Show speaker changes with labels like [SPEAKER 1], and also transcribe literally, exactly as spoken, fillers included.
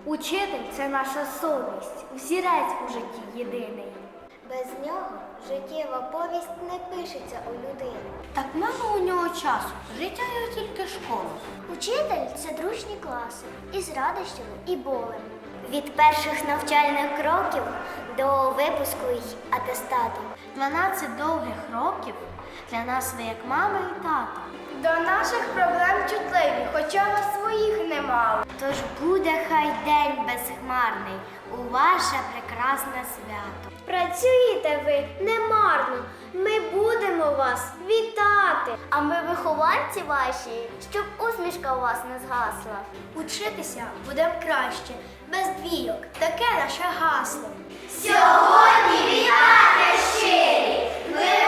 [SPEAKER 1] Учитель – це наша совість, взірець у житті єдиний.
[SPEAKER 2] Без нього життєва повість не пишеться у людини.
[SPEAKER 1] Так мало у нього часу, життя його тільки школа.
[SPEAKER 2] Учитель – це дружні класи із радощами і болем. Від перших навчальних кроків до випуску й атестату.
[SPEAKER 1] Дванадцять довгих років для нас ви як мама і тата.
[SPEAKER 2] До наших проблем чутливі, хоча вас своїх немало.
[SPEAKER 1] Тож буде хай день безхмарний у ваше прекрасне свято.
[SPEAKER 2] Працюєте ви немарно, ми будемо вас вітати. А ми вихованці ваші, щоб усмішка у вас не згасла.
[SPEAKER 1] Учитися будемо краще, без двійок, таке наше гасло.
[SPEAKER 2] Сьогодні вітати щирі, ми